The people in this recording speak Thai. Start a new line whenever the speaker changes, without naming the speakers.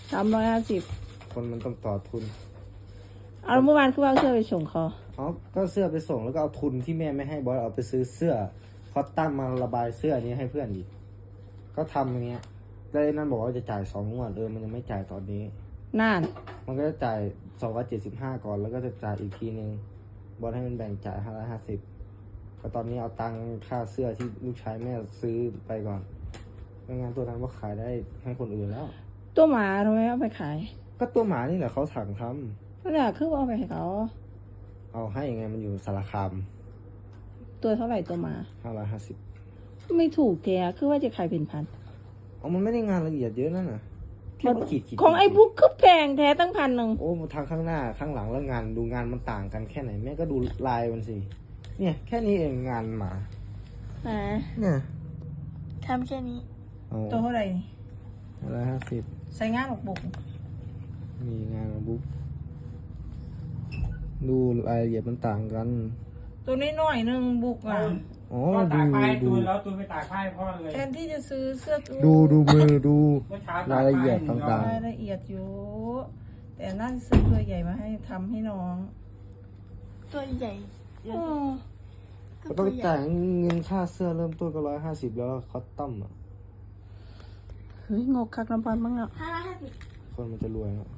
350
คนมันต้องต่อทุน
เอาเมื่อวานคือว่าเสื้อไปส่งเขา
ก็เสื้อไปส่งแล้วก็เอาทุนที่แม่ไม่ให้บอสเอาไปซื้อเสื้อคอตตั้มมาระบายเสื้อนี้ให้เพื่อนอีกก็ทำอย่างเงี้ยแล้วนั่นบอกว่าจะจ่าย2 งวดมันยังไม่จ่ายตอนนี้
น่าน
มันก็จะจ่าย275ก่อนแล้วก็จะจ่ายอีกทีนึงบอสให้มันแบ่งจ่าย550ก็ตอนนี้เอาตังค่าเสื้อที่ลูกชายแม่ซื้อไปก่อนไม่งั้นตัวนั้นว่าขายได้ให้คนอื่นแล้ว
ตัวหมาทำไมเอาไปขาย
ก็ตัวหมานี่แหละเขาสั่งทำ
นั่นแหละคือว่าเอาไปให้เขา
เอาให้ยังไงมันอยู่สารคาม
ตัวเท่าไหร่ตัวหมา
550
ไม่ถูกแกคือว่าจะขายเป็นพัน
มันไม่ได้งานละเอียดเยอะนั่นน่ะ
ของไอ้บุ๊กคือแพงแท้ตั้ง1,000
โอ้ทางข้างหน้าข้างหลังแล้วงานดูงานมันต่างกันแค่ไหนแม่ก็ดูลายมันสิเนี่ยแค่นี้เองงานหมาเนี่ย
ทำแค่นี้
ตัวเท่าไหร่
150
ใส่งานออกบุก
มีงานบุ๊กดูรายละเอียดมันต่างกัน
ตัวน้อยๆนึงบุก
ก็ตากผ้าให้ตูนแล้วตูนไปตากผ้าให้พ่อเลย
แทนที่จะซื้อเสื้อ
ดูมือดูรายละเอียดต่าง
ๆรายละเอียดอยู่แต่น่าจะซื้อตัวใหญ่มาให้ทำให้น้อง
ตัวใหญ่
ก็ต้องจ่ายเงินค่าเสื้อเริ่มต้นก็150แล้วคอตตอม
เฮ้ยงกคักน้ำพันบ้างอ่ะ
550
คนมันจะรวย